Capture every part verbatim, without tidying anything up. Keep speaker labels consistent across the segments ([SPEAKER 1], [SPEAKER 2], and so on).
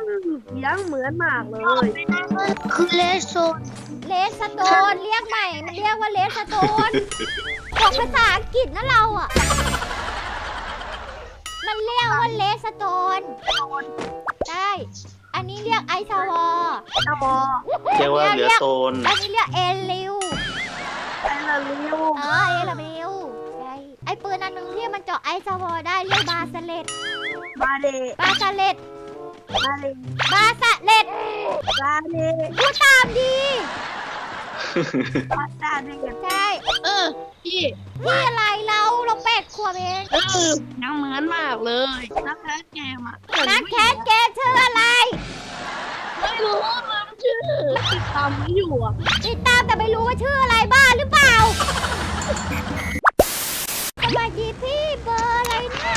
[SPEAKER 1] ยังเหมือนมากเลย
[SPEAKER 2] คือเลสโซน
[SPEAKER 3] เลสโตนเรียกใหม่มันเรียกว่าเลสโตนบอกภาษาอังกฤษนะเราอ่ะมันเรียกว่าเลสโตนใช่อันนี้เรียกไอซาวอ
[SPEAKER 1] ตาบอ
[SPEAKER 4] เรียกว่าเหลือโซน
[SPEAKER 3] อันนี้เรียกเอลิว
[SPEAKER 1] ไอละลิว
[SPEAKER 3] เออเอลิวใช่ไอปืนอันนึงที่มันเจาะไอซาวอได้เรียกบาสเลต
[SPEAKER 1] บาเด
[SPEAKER 3] บาสเลต
[SPEAKER 1] บาเล
[SPEAKER 3] บาสเลต
[SPEAKER 1] บาเด
[SPEAKER 3] พูดตามดี
[SPEAKER 1] บาตาเด
[SPEAKER 3] ใช่
[SPEAKER 1] เออพี่
[SPEAKER 3] พี่อะไรเราเราแปดขวบเอง
[SPEAKER 1] เออยังเหมือนมากเลยนักแคสเกมอ่ะ
[SPEAKER 3] นักแคสเกมชื่ออะไร
[SPEAKER 1] ไม่รู้มันชื่อติดตามไม่อยู่อ่ะ
[SPEAKER 3] ติดตามแต่ไม่รู้ว่าชื่ออะไรบ้าหรือเปล่าสวัสดีพี่เบอร์อะไรเนี่ย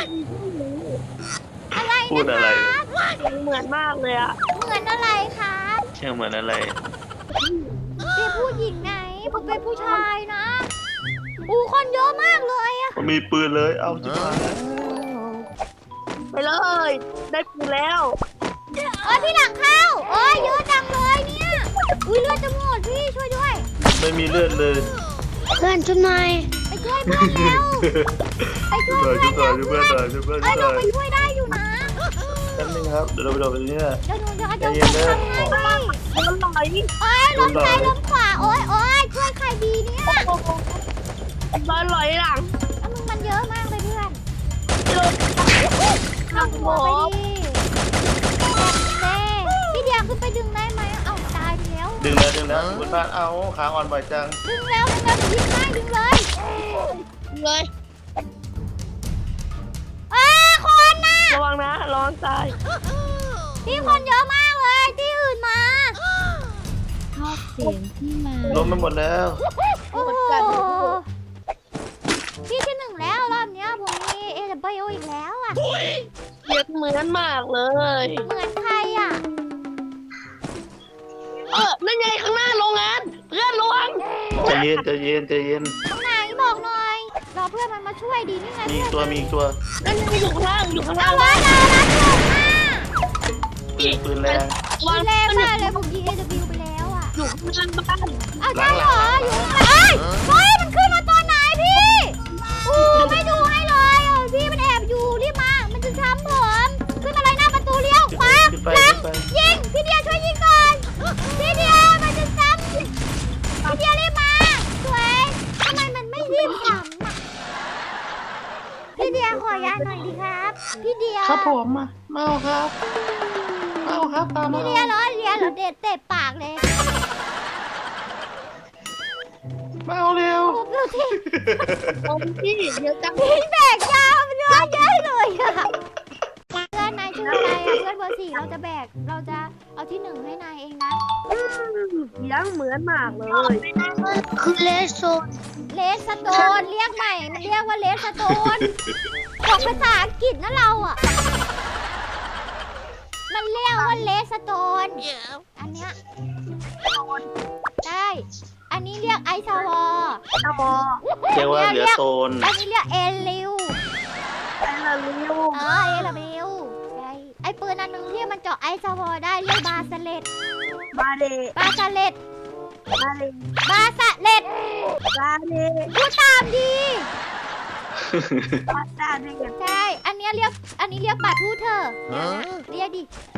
[SPEAKER 3] อะไร
[SPEAKER 4] พูด
[SPEAKER 3] นะ
[SPEAKER 4] อะไร
[SPEAKER 3] คะ
[SPEAKER 1] ยังเหมือนมากเลยอ่ะ
[SPEAKER 3] เหมือนอะไรคะ
[SPEAKER 4] เชื่อเหมือนอะไร
[SPEAKER 3] เป็นผู้หญิงไหนผมเป็นผู้ชายนะอู้คนเยอะมากเลยอะ
[SPEAKER 4] มันมีปืนเลย เอาจิบหาย
[SPEAKER 1] ไปเลย ได้ปูแล้ว
[SPEAKER 3] เอ้ยพี่หลังเข้าโอ้ยเยอะจังเลยเนี่ยอุ้ยเลือดจะหมดพี่ช่วยด้วย
[SPEAKER 4] ไม่มีเลือดเลย
[SPEAKER 2] เพื่อนชุดนาย
[SPEAKER 3] ไปช่วยเพื่อนแล้วไปช่วย
[SPEAKER 4] ช่วย
[SPEAKER 3] เพื่อน
[SPEAKER 4] ช่วย
[SPEAKER 3] แล้ว
[SPEAKER 4] ช่วย
[SPEAKER 3] เพื่
[SPEAKER 4] เพื่
[SPEAKER 3] อ
[SPEAKER 4] อน นหน่อยช่วยเพื่อนห
[SPEAKER 3] เอ้ยเรา
[SPEAKER 4] น่อย
[SPEAKER 3] ไปช่วยได้อยู่นะ
[SPEAKER 4] แป๊บนึงครับ เดี๋ยวเราไปดูไปนี่นะ
[SPEAKER 3] เดี๋ยวหนูจะ
[SPEAKER 4] ใจ
[SPEAKER 3] จะ
[SPEAKER 4] เย็นเด้อ
[SPEAKER 3] ทำให้ไหม
[SPEAKER 1] มันไหล
[SPEAKER 3] โอ้ยล้มซ้ายล้มขวาโอ้ยโอ้ยช่วยใครดีเนี่ย
[SPEAKER 1] มันไหลหลัง
[SPEAKER 3] แล้วมึงมันเยอะมากเลยเพื่อน
[SPEAKER 1] เจอ
[SPEAKER 3] เข้าหัวไปดิเด้พี่เดียขึ้นไปดึงได้ไหมเอ้าตายไปแล้ว
[SPEAKER 4] ดึงแล้วดึงแล้วบนบ้านเอาขาอ่อนบ่อยจัง
[SPEAKER 3] ดึงแล้วดึงแล้วดึงให้ดึงเลย
[SPEAKER 1] เลย
[SPEAKER 3] เอ้ยคนน่ะ
[SPEAKER 1] ระวังนะระวังตาย
[SPEAKER 3] พี่คนเยอะมากเลยที่อื่นมา
[SPEAKER 2] ชอบเสียงที่มา
[SPEAKER 4] ล้มไปหมดแล้ว
[SPEAKER 3] โอ้โหพี่ที่หนึ่งแล้วรอบเนี้ยผมมีเอเดบอีกแล้วอ่ะ
[SPEAKER 1] เรียกเหมือนมากเลย
[SPEAKER 3] เหมือนใครอ่ะ
[SPEAKER 1] เออนั่นไงข้างหน้าโรงงาน เพื่อนระวัง
[SPEAKER 4] ใจเย็นใจเย็นใจเย็น
[SPEAKER 3] ตรงไหนบอกหน่อยรอเพื่อนมันมาช่วยดีนี่ไง
[SPEAKER 4] มี
[SPEAKER 3] เพื่อน
[SPEAKER 4] อีกตัวมีอีกตัว
[SPEAKER 1] นั่นไงอยู่ข้างล่างอยู่ข้าง
[SPEAKER 3] เอา
[SPEAKER 1] ล่าง
[SPEAKER 3] ไว้เรารักถูกมาก
[SPEAKER 4] ปืนปืนแรง
[SPEAKER 1] ระวัง
[SPEAKER 3] แรง
[SPEAKER 1] มันอยู่
[SPEAKER 3] มากเลยผมยิงเอเดบิวไปแล้วอ่ะ
[SPEAKER 1] อยู่ข้างล่างบ้าน
[SPEAKER 3] เอาใช่เหรออยู่ข้างหลังเอ้ยเฮ้ยมันขึ้นมาตอนไหนพี่อู้ไม่ดูให้เลยเออพี่มันแอบอยู่รีบมามันจะช้ำผมขึ้นมาเลยหน้าประตูเลี้ยวขวา
[SPEAKER 4] ขึ้นไป
[SPEAKER 3] หลัง
[SPEAKER 4] ขึ้นไป
[SPEAKER 3] ยิงพี่เดียช่วยยิงก่อนพี่เดียมันจะซ้ำพี่เดียรีบมาสวยทำไมมันไม่รีบซ้ำอ่ะพี่เดียขอยาหน่อยดีครับพี่เดีย
[SPEAKER 1] ครับผมมาเมาครับเมาครับตามมา
[SPEAKER 3] พี่เดียเหรอเดียเหรอเด็ดเตะปากเลย
[SPEAKER 1] เมาเร็ว
[SPEAKER 3] ผมดูที่
[SPEAKER 1] เอาพี่เดี๋ยวจัง
[SPEAKER 3] พี่แบกยาวมันเยอะแยะเลยอะเพื่อนนายชื่ออะไรอะเพื่อนเบอร์สี่เราจะแบกเราจะเอาที่หนึ่งให้นายเองนะ
[SPEAKER 1] ยังเหมือนมากเลย
[SPEAKER 2] คือเลสโซน
[SPEAKER 3] เลสโตนเรียกใหม่มันเรียกว่าเลสโตนบอกภาษาอังกฤษนะเราอ่ะมันเรียกว่าเลสโตนอันเนี้ยใช่อันนี้เรียกไอซาวอ
[SPEAKER 1] ตาบอ
[SPEAKER 4] เรียกว่าเหลือโซน
[SPEAKER 3] อันนี้เรียกเอลิว
[SPEAKER 1] ไอละลิว
[SPEAKER 3] เออเอลิวใช่ไอปืนอันนึงที่มันเจาะไอซาวอได้เรียกบาสเลต
[SPEAKER 1] บาเด
[SPEAKER 3] บาสเลต
[SPEAKER 1] บาเล
[SPEAKER 3] บาสเลต
[SPEAKER 1] บาเด
[SPEAKER 3] พูดตามดี
[SPEAKER 1] บาตาเด
[SPEAKER 3] ใช่ อันเนี้ยเรียก อันนี้เรียกปลาทูเธอเรียกดิ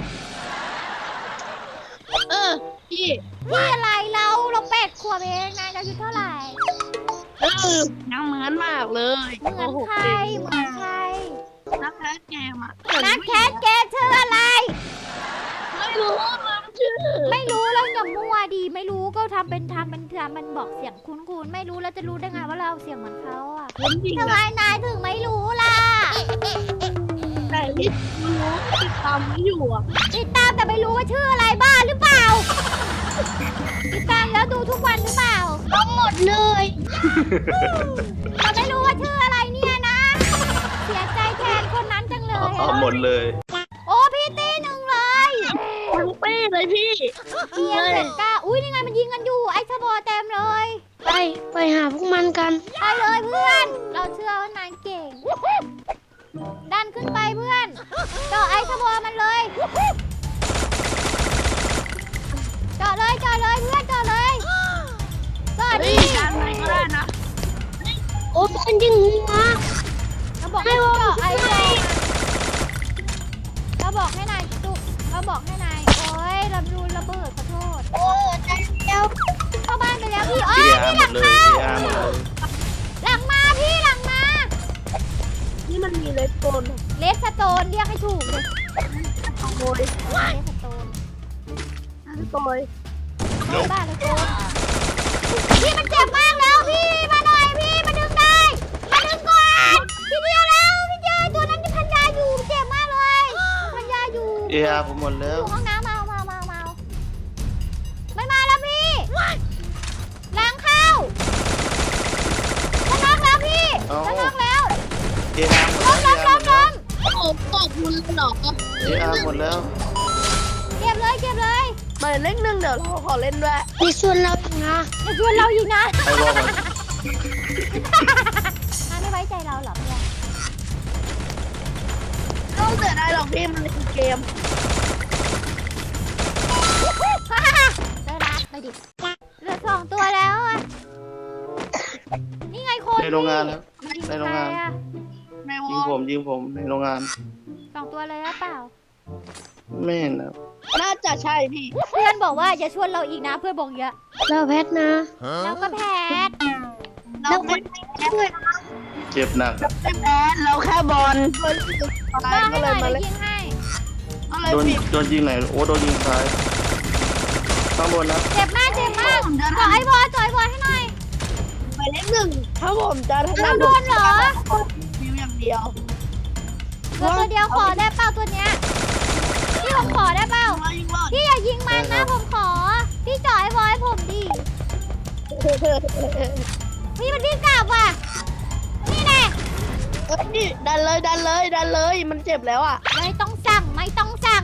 [SPEAKER 1] เออพี่
[SPEAKER 3] พี่อะไรเรา เราแปดขวบเองนายอายุเท่าไหร่
[SPEAKER 1] เออยังเหมือนมากเลย
[SPEAKER 3] เหมือนใคร เหมือนใคร
[SPEAKER 1] นักแคสเกมอ่ะ
[SPEAKER 3] นักแคสเกมชื่ออะไร
[SPEAKER 1] ไม่รู้มันชื่อ
[SPEAKER 3] ไม่รู้แล้วอย่ามั่วดี ไม่รู้ก็ทำเป็นทำเป็นทำมันบอกเสียงคุ้นๆ ไม่รู้แล้วจะรู้ได้ไงว่าเราเสียงเหมือนเขาอ่ะ
[SPEAKER 1] ผมจริง
[SPEAKER 3] ทำไม
[SPEAKER 1] อะ
[SPEAKER 3] นายถึงไม่รู้ล่ะ
[SPEAKER 1] แต่ที่รู้ติดตามไม่อยู่อ่ะ
[SPEAKER 3] ติดตามแต่ไม่รู้ว่าชื่ออะไรบ้าหรือเปล่า ติดตามแล้วดูทุกวันหรือเปล่า
[SPEAKER 2] ทั้งหมดเลย
[SPEAKER 3] เราไม่รู้ว่าชื่ออะไรเนี่ยนะ เสียใจแทนคนนั้นจังเลย
[SPEAKER 4] เอา
[SPEAKER 3] อะ
[SPEAKER 4] หมดเลย
[SPEAKER 3] โอ้พี่ตีหนึ่งเลย
[SPEAKER 1] ทั้งปี้เลยพี่
[SPEAKER 3] เอียงเสร็จก้าอุ้ยนี่ไงมันยิงกันอยู่ไอ้ชะโบเต็มเลย
[SPEAKER 2] ไปไปหาพวกมันกัน
[SPEAKER 3] ไปเลยเพื่อน เราเชื่อว่านายเก่ง ดันขึ้นไปเพื่อนเจาะไอ้ชะโบมันเลยบอกให้นายจุกเราบอกให้นายโอ้ยลำรูนระเบิดขอโทษ
[SPEAKER 2] โอ้ใจเดียว
[SPEAKER 3] เข้าบ้านไปแล้วพี่
[SPEAKER 4] เอ
[SPEAKER 3] เอ้ย
[SPEAKER 4] อา
[SPEAKER 3] พี่
[SPEAKER 4] ร์
[SPEAKER 3] ห
[SPEAKER 4] หม
[SPEAKER 3] ลั
[SPEAKER 4] ด
[SPEAKER 3] ง
[SPEAKER 4] เลย
[SPEAKER 3] เข้า
[SPEAKER 4] เออาร์หมดเลย
[SPEAKER 3] หลังมาพี่หลังมา
[SPEAKER 1] นี่มันมีเลสโกน
[SPEAKER 3] เลสสโตนเรียกให้ถูกเลย
[SPEAKER 1] ขโมย
[SPEAKER 3] เลสสโตน
[SPEAKER 1] ขโมย
[SPEAKER 3] เข้าบ้านเลยโกนพี่มันเจ็บมากแล้วพี่มาหน่อยพี่มาดึงได้มาดึงก่อนพี่เดียวแล้วพี่เดียวตัวนั้นที่พันยาอยู่เจ็บมากเลยพันยาอยู่
[SPEAKER 4] เออาร์ผมหมด
[SPEAKER 3] อ
[SPEAKER 4] แล้ว
[SPEAKER 3] ยู่ห้องน้ำมามามามาไม่มาแล้วพี่ล้างเข้าจะน็อกแล้วพี่จะน็อกแล้ว
[SPEAKER 4] เออาร์หมด
[SPEAKER 3] ล้
[SPEAKER 4] แล้
[SPEAKER 3] ม
[SPEAKER 4] ว
[SPEAKER 3] ล้ม
[SPEAKER 4] เอ
[SPEAKER 3] ล้
[SPEAKER 4] อาร์
[SPEAKER 3] ม
[SPEAKER 4] หมด
[SPEAKER 3] ล้
[SPEAKER 4] แล้ว
[SPEAKER 3] ม
[SPEAKER 1] โอ้ตกมุนเลยเหรอ
[SPEAKER 4] เออาร์หมดแล้ว
[SPEAKER 3] เก็บเลยเก็บเลย
[SPEAKER 1] หมายเลขหนึ่งเดี๋ยวเราขอเล่นด้วย
[SPEAKER 2] มีส่วนเราอีกนะ
[SPEAKER 3] อย่าชวนเราอีกนะ
[SPEAKER 4] ไอวอลมัน
[SPEAKER 3] นายไม่ไว้ใจเราหรอเพื่อน
[SPEAKER 1] ต้องเสียดายหรอกพี่มันเป็นเกม
[SPEAKER 3] เจอรัดไปดิเหลือสองตัวแล้วอะนี่ไงคน
[SPEAKER 4] ในโรงงานครับ
[SPEAKER 3] ยิ
[SPEAKER 4] ในโรงงาน
[SPEAKER 3] ใคอะ
[SPEAKER 1] ในว
[SPEAKER 4] ยิง
[SPEAKER 1] อ
[SPEAKER 4] ผมยิงผมในโรงงาน
[SPEAKER 3] สองตัวเลยหรือเปล่า
[SPEAKER 4] ไม่เห็นนะ
[SPEAKER 1] น่าจะใช่พี่
[SPEAKER 3] เพื่อนบอกว่าอย่าชวนเราอีกนะเพื่อนบอกเยอะ
[SPEAKER 2] เราแพทนะ
[SPEAKER 3] เราก็แพ้
[SPEAKER 1] เราไม่
[SPEAKER 2] ช่วย
[SPEAKER 4] เจ็บหนัก
[SPEAKER 1] ไม่แพ้เราแค่บอลบอลตาย
[SPEAKER 3] บ้าง
[SPEAKER 1] ก็
[SPEAKER 3] ให้ห
[SPEAKER 1] เล
[SPEAKER 3] น่
[SPEAKER 1] ย
[SPEAKER 3] อย
[SPEAKER 1] มา
[SPEAKER 3] เดี๋
[SPEAKER 1] เล่
[SPEAKER 3] ยวน ยิงให้
[SPEAKER 1] อะไร
[SPEAKER 4] โดน
[SPEAKER 1] พี่
[SPEAKER 4] โดนยิงไหนโอ้โดนยิงซ้ายข้างบนนะ
[SPEAKER 3] เจ็บมากเจ็บมากขอไอ้บอลจ่อยบอลให้หน่อย
[SPEAKER 1] หมายเลขหนึ่งถ้าผมจะถนั
[SPEAKER 3] เรา
[SPEAKER 1] ด
[SPEAKER 3] โดนเหรอ
[SPEAKER 1] วิวอย่างเดียว
[SPEAKER 3] ตัวตัวเดียวขอได้เปล่าตัวเนี้ยพี่ผมขอได้เปล่า
[SPEAKER 1] มายิงรอด
[SPEAKER 3] พี่อย่ายิงมันนะผมขอ พี่จ่อยบอลให้ผมดิพี่มันวิ่งกลับว่ะนี่แน่
[SPEAKER 1] เอ้ยนี่ดันเลยดันเลยดันเลยมันเจ็บแล้วอ่ะ
[SPEAKER 3] ไม่ต้องสั่งไม่ต้องสั่ง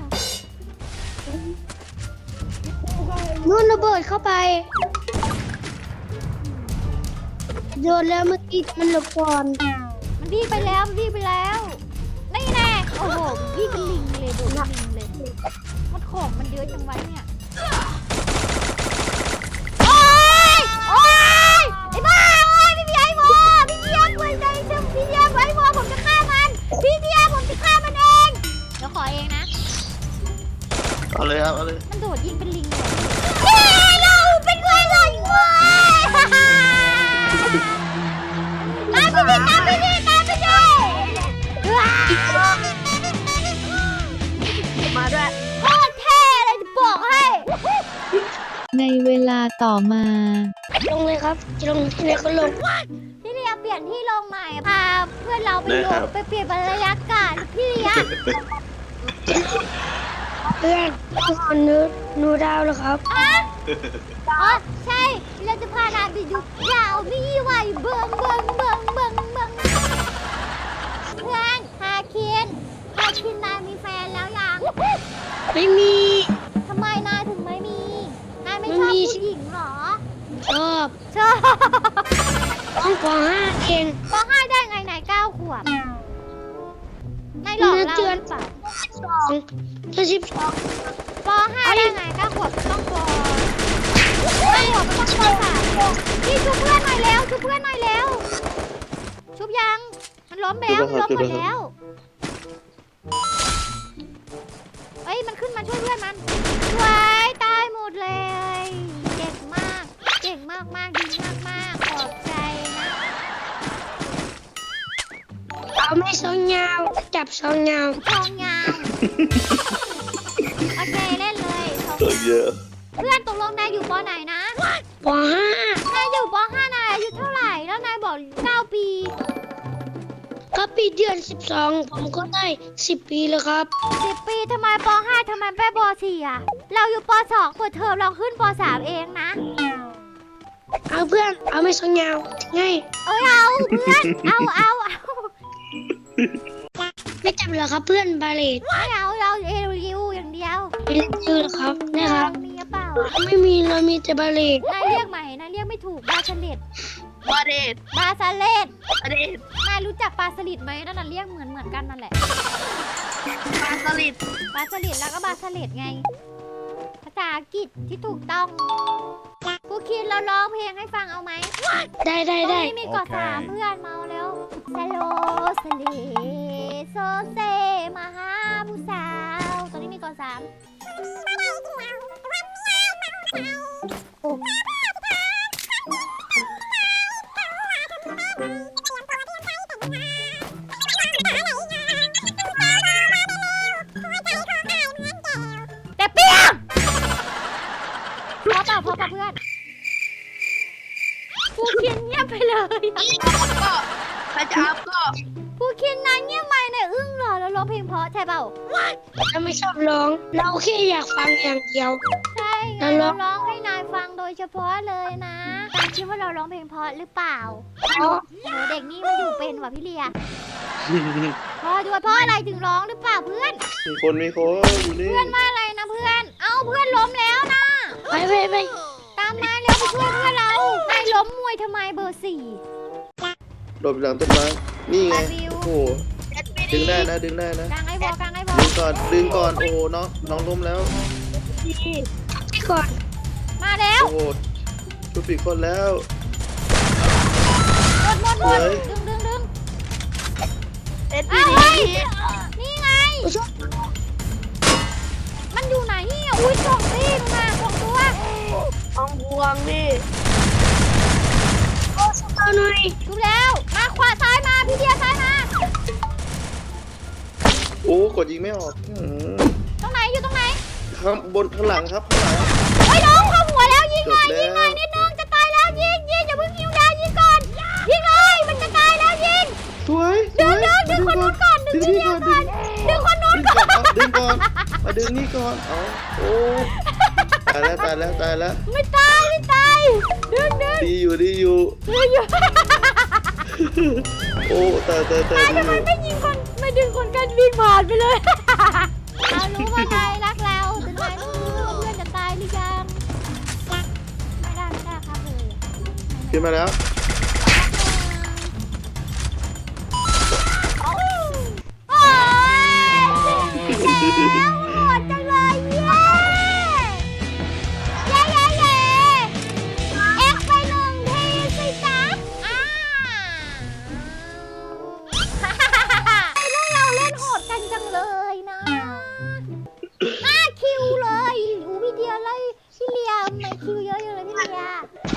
[SPEAKER 2] นู่นระเบิดเข้าไปโยนแล้วเมื่อกี้มันหลบก่อน
[SPEAKER 3] มันวิ่งไปแล้วมันวิ่งไปแล้วนี่แน่โอ้โหวิ่งเป็นลิงเลยดูลิงเลยมันของมันเยอะจังไว้เนี่ยโอ๊ยโอ๊ยไอ้บ้าโอ๊ยพี่เบียร์ไอ้บอพี่เบียร์ไว้ใจเชื่อพี่เบียร์ไว้บอผมจะฆ่ามันพี่เบียร์ผมจะฆ่ามันเองเดี๋ยวขอเองนะ
[SPEAKER 4] เอาเลยครับเอาเลย
[SPEAKER 3] มันโดดยิงเป็นลิงเลยเฮ้ยเราเป็นไงเลยเว้ยตามไปดิตามไปดิตามไปดิว้าว
[SPEAKER 1] มาด้วย
[SPEAKER 3] โคตรเท่เลยจะบอกให้
[SPEAKER 5] ในเวลาต่อมา
[SPEAKER 2] ลงเลยครับจะลงที่ไหนก็ลง
[SPEAKER 3] พี่เลียเปลี่ยนที่ลงใหม่พาเพื่อนเราไปลงไปเปลี่ยนบรรยากาศพี่เลีย
[SPEAKER 2] เพื่อนต้องขอนูนูดาวแล้วครับ
[SPEAKER 3] อ๋อใช่เราจะพานายไปดูดาวนี่ไหวเบิงเบิงเบิงเบิงเบิงเพื่อนฮาคินฮาคินนายมีแฟนแล้วยัง
[SPEAKER 2] ไม่มี
[SPEAKER 3] ทำไมนายถึงไม่มี นายไม่ช
[SPEAKER 2] ไม่
[SPEAKER 3] อบ
[SPEAKER 2] มี
[SPEAKER 3] ผู้หญิงเหรอ
[SPEAKER 2] ชอบ
[SPEAKER 3] ชอบ
[SPEAKER 2] ต้องปห้าเอง
[SPEAKER 3] ปห้าได้ไงนายเก้าขวบนายหลอกเราหรือเปล่า
[SPEAKER 2] สองจะสิบสอง
[SPEAKER 3] ปห้าได้ไงเก้าขวบต้องปเก้าขวบก็ต้องปสามพี่ชุบเพื่อนหน่อยแล้วชุบเพื่อนหน่อยแล้ว ชุบยัง มันล้มไปแล้วมันล้มหมดแล้วเอ้ยมันขึ้นมาช่วยเพื่อนมันสวยตายหมดเลยเก่งมากเก่งมากมากดีมากมากขอบใจนะ
[SPEAKER 2] เอาไม่สองยาวจับสองยาว
[SPEAKER 3] ทองยาวโอเคเล่นเลยทอง
[SPEAKER 4] ตัวย
[SPEAKER 3] าว
[SPEAKER 4] เยอะ
[SPEAKER 3] เพื่อนตกลงนายอยู่ปไหนนะ
[SPEAKER 2] ปห้าน
[SPEAKER 3] ายอยู่ปห้านายอายุเท่าไหร่แล้วนายบอกเก้าปี
[SPEAKER 2] ก็ปีเดือนสิบสองผมก็ได้สิบปีแล้วครับ
[SPEAKER 3] สิบปีทำไมปห้าทำไมไม่ปสี่อ่ะเราอยู่ปสองเปิดเทอมเราขึ้นปสามเองนะ
[SPEAKER 2] เอาเพื่อนเอาไม่สองยาวง่าย
[SPEAKER 3] เอ้ยเอาเพื่อนเอาเอาเอา
[SPEAKER 2] ไม่จับเหรอครับเพื่อนบาเลต
[SPEAKER 3] ไม่เอาเราเอริวอย่างเดียว
[SPEAKER 2] ไม่เล่นชื่อเหรอครับนะครับ
[SPEAKER 3] มีหรือเปล่า
[SPEAKER 2] ไม่มีเรามีแต่บาเลต
[SPEAKER 3] นายเรียกใหม่นายเรียกไม่ถูกบาสลิด
[SPEAKER 1] บาเดต
[SPEAKER 3] บาสเลด
[SPEAKER 1] บาเดต
[SPEAKER 3] นายรู้จักปลาสลิดไหมนั่นน่ะเรียกเหมือนเหมือนกันนั่นแหละ
[SPEAKER 1] ปลาสลิด
[SPEAKER 3] ปลาสลิดแล้วก็บาสลิดไง ภาษาอังกฤษที่ถูกต้องกูคิดเราร้องเพลงให้ฟังเอาไหม
[SPEAKER 2] ได้ได้
[SPEAKER 3] ตรง
[SPEAKER 2] ได้
[SPEAKER 3] นี้มีเกาะสามเพื่อนเมาแล้วสโลสเลโซเซมาหาผู้สาวก่อนสามแต่เปียกพอเปล่าพอเปล่าเพื่อนผู้คินเงียบไปเลย
[SPEAKER 1] ก็ใครจะอัพก็
[SPEAKER 3] ผู้คินนายเงียบไปเนี่ยอึ้งเหรอแล้วร้องเพลงเพราะใช่เปล่า
[SPEAKER 2] เราไม่ชอบร้อง เราแค่อยากฟังอย่างเดียว
[SPEAKER 3] ใช่ไง
[SPEAKER 2] แล้วร้
[SPEAKER 3] เรา
[SPEAKER 2] อง
[SPEAKER 3] ร้องให้นายฟังโดยเฉพาะเลยนะนายคิดว่าเราร้องเพลงเพราะหรือเปล่า
[SPEAKER 2] เพราะ
[SPEAKER 3] โหเด็กนี่มันอยู่เป็นว่ะพี่เลียพอด้วยเพราะอะไรถึงร้องหรือเปล่าเพื่อน
[SPEAKER 4] มีคนมีคนอยู่นี่
[SPEAKER 3] เพื่อนว่าอะไรนะเพื่อน เอ้าเพื่อนล้มแล้วนะ
[SPEAKER 2] ไปไปไป
[SPEAKER 3] ตามมาเร็วไปช่วยเพื่อนเรานายล้มมวยทำไมเบอร์สี่
[SPEAKER 4] หลบหลังต้นไม้นี่ไง
[SPEAKER 3] ไปวิว
[SPEAKER 4] โอ้โหดึงได้นะดึงได้นะ
[SPEAKER 3] กลางไอ้บอลกลางไอ้บอล
[SPEAKER 4] ดึงก่อนดึงก่อนโอ้โหน้องน้องล้มแล้ว
[SPEAKER 2] ที่ก่อน
[SPEAKER 3] มาแล้ว
[SPEAKER 4] โอ้โหชุบปีกคนแล้ว
[SPEAKER 3] หมดหมดหมด
[SPEAKER 4] เฮ้ย
[SPEAKER 3] ดึงดึงดึง
[SPEAKER 1] เอ็ด
[SPEAKER 3] อ้าว
[SPEAKER 1] ดี
[SPEAKER 3] เฮ้ยนี่ไง
[SPEAKER 2] ไม่ชอบ
[SPEAKER 3] มันอยู่ไหนเนี่ยอุ้ยสองตีนมาสองตัว
[SPEAKER 1] ของพวงนี่
[SPEAKER 2] โอ้สตาร์หน่อย
[SPEAKER 3] ดูแล้วมาขวาซ้ายมาพี่เดียซ้ายมา
[SPEAKER 4] โอ้กดยิงไม่ออกอื้อหือ
[SPEAKER 3] ตรงไหนอยู่ตรงไหน
[SPEAKER 4] ข้างบนข้างหลังครับข้างหลัง
[SPEAKER 3] เฮ้ยน้องเข้าหัวแล้วยิง
[SPEAKER 4] จ
[SPEAKER 3] หน่
[SPEAKER 4] บ
[SPEAKER 3] อย
[SPEAKER 4] แล้
[SPEAKER 3] ยิงหน่อ
[SPEAKER 4] วย
[SPEAKER 3] นิดนึงจะตายแล้วยิงยิงอย่าเพิ่งหิวดายิงก่อนยิงเลยมันจะตายแล้วยิง
[SPEAKER 4] สวยส
[SPEAKER 3] ดึ
[SPEAKER 4] ว
[SPEAKER 3] ง
[SPEAKER 4] ย
[SPEAKER 3] ดึงดึงคนนู้นก่อนดึง
[SPEAKER 4] ดึง
[SPEAKER 3] พี่
[SPEAKER 4] นี่
[SPEAKER 3] เดีย
[SPEAKER 4] ก่อน
[SPEAKER 3] ก่
[SPEAKER 4] ดึ
[SPEAKER 3] อน
[SPEAKER 4] ง
[SPEAKER 3] ดึงคนนู้นก่อน
[SPEAKER 4] ดึงก่อนเอาดึงก่อนมาดึงนี่ก่อนเอาโอ้ตายแล้วตายแล้วตายแล้ว
[SPEAKER 3] ไม่ตายไม่ตายดึงดึง
[SPEAKER 4] ดีอยู่ดีอยู่
[SPEAKER 3] ดึงอยู่
[SPEAKER 4] โอ้ตายตายตาย
[SPEAKER 3] ตาย
[SPEAKER 4] ดี
[SPEAKER 3] ทำ
[SPEAKER 4] อ
[SPEAKER 3] ไม
[SPEAKER 4] ยู่
[SPEAKER 3] ไม่ยิงคนไม่ดึงคนกันวิ่งผ่านไปเลยเรารู้ว่านายรักเราแต่นายต้องรู้ว่าเพื่อนจะตายหรือยังไม่ได้ไม่ได้ครับเลย
[SPEAKER 4] ขึ้นมาแล้ว
[SPEAKER 3] โอ้ยแล้วหมดจังเลยเย้เย้เย้เย้เอ็กไปหนึ่งทีสิจ๊ะอ่าไอ้พวกเราเล่นโหดกันจังเลยนะห้าคิวเลยอูพี่เดียเลยพี่เลียไม่คิวเยอะอยู่เลยพี่เลีย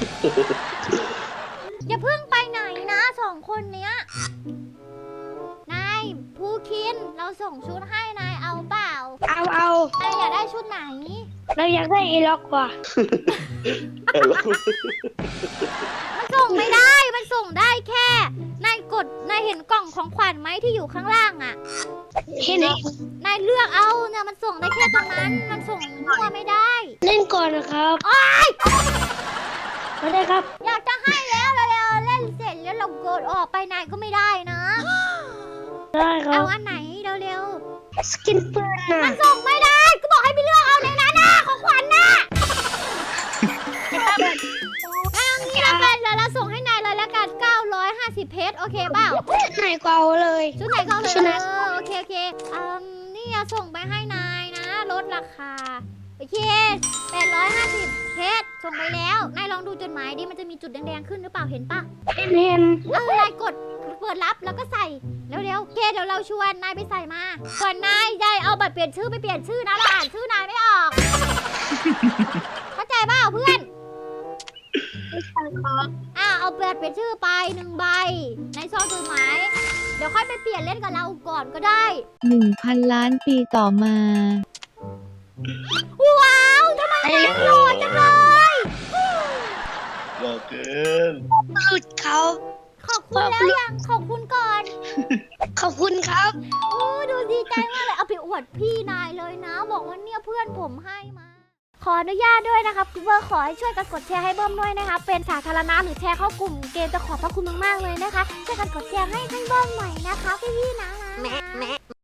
[SPEAKER 3] อย่าเพิ่งไปไหนนะสองคนเนี้ยนายภูคินเราส่งชุดให้นายเอาเปล่า
[SPEAKER 2] เอาเอา
[SPEAKER 3] นายอยากได้ชุดไหน
[SPEAKER 2] เราอยากได้เอล็อกว่ะ
[SPEAKER 4] แต่ละคน
[SPEAKER 3] มันส่งไม่ได้ มันส่งได้แค่ นายกด นายเห็นกล่องของขวัญไหมที่อยู่ข้างล่างอ่ะ
[SPEAKER 2] เห็นเห็น
[SPEAKER 3] นายเลือกเอาเนี่ยมันส่งได้แค่ตรงนั้น มันส่งมั่วไม่ได้
[SPEAKER 2] เล่นก่อนนะครับ
[SPEAKER 3] โอ๊ย
[SPEAKER 2] มาได้ครับ
[SPEAKER 3] อยากจะให้แล้วเร็วๆเล่นเสร็จแล้วเรากดออกไปนายก็ไม่ได้นะ
[SPEAKER 2] ได้ครั
[SPEAKER 3] เอา
[SPEAKER 2] บ
[SPEAKER 3] อันไหนเร็ว
[SPEAKER 2] สกินปืนน่ะ
[SPEAKER 3] ๆ มันส่งไม่ได้ ก็บอกให้ไปเลือกเอาในนั้นนะของขวัญน่ะเอางี้ละกันแล้วเราส่งให้นายเลยละกันเก้าร้อยห้าสิบเพชรโอเคเปล่า
[SPEAKER 2] ไหนก็เอาเลย
[SPEAKER 3] ชุดไหนก็เอาเลย
[SPEAKER 2] ชุดไหน
[SPEAKER 3] เออโอเคโอเคอืมนี่จะส่งไปให้นายนะลดราคาโอเคแปดร้อยห้าสิบเพชรส่งไปแล้วนายลองดูจดหมายดิมันจะมีจุดแดงๆขึ้นหรือเปล่าเห็นปะ
[SPEAKER 2] เห็นเห็น
[SPEAKER 3] เออนายกดเปิดรับแล้วก็ใส่เร็วๆโอเคเดี๋ยวเราชวนนายไปใส่มาก่อนนายยายเอาบัตรเปลี่ยนชื่อไปเปลี่ยนชื่อนะเราอ่านชื่อนายไม่ออก เข้าใจเปล่าเพื่อน อ่าเอาเปลี่ยนเป็นชื่อไปหนึ่งใบในซองจดหมายเดี๋ยวค่อยไปเปลี่ยนเล่นกับเราก่อนก็ได้
[SPEAKER 5] หนึ่งพันล้านปีต่อมา
[SPEAKER 3] ว้าวทำไมนายหล่อจังเลย
[SPEAKER 4] หล่อเกิน
[SPEAKER 2] หลุดเขา
[SPEAKER 3] ขอบคุณแล้วยังขอบคุณก่อน
[SPEAKER 2] ขอบคุณครับ
[SPEAKER 3] โอ้ดูดีใจมากเลยเอาไปอวดพี่นายเลยนะ บอกว่าเนี่ยเพื่อนผมให้มา ขออนุญาตด้วยนะครับคุณเบอร์ขอให้ช่วยกันกดแชร์ให้เบิ้มด้วยนะคะเป็นสาธารณะหรือแชร์เข้ากลุ่มเกมจะขอบพระคุณมากๆเลยนะคะช่วยกันกดแชร์ให้ให้เบิ้มหน่อยนะคะพี่ๆนะ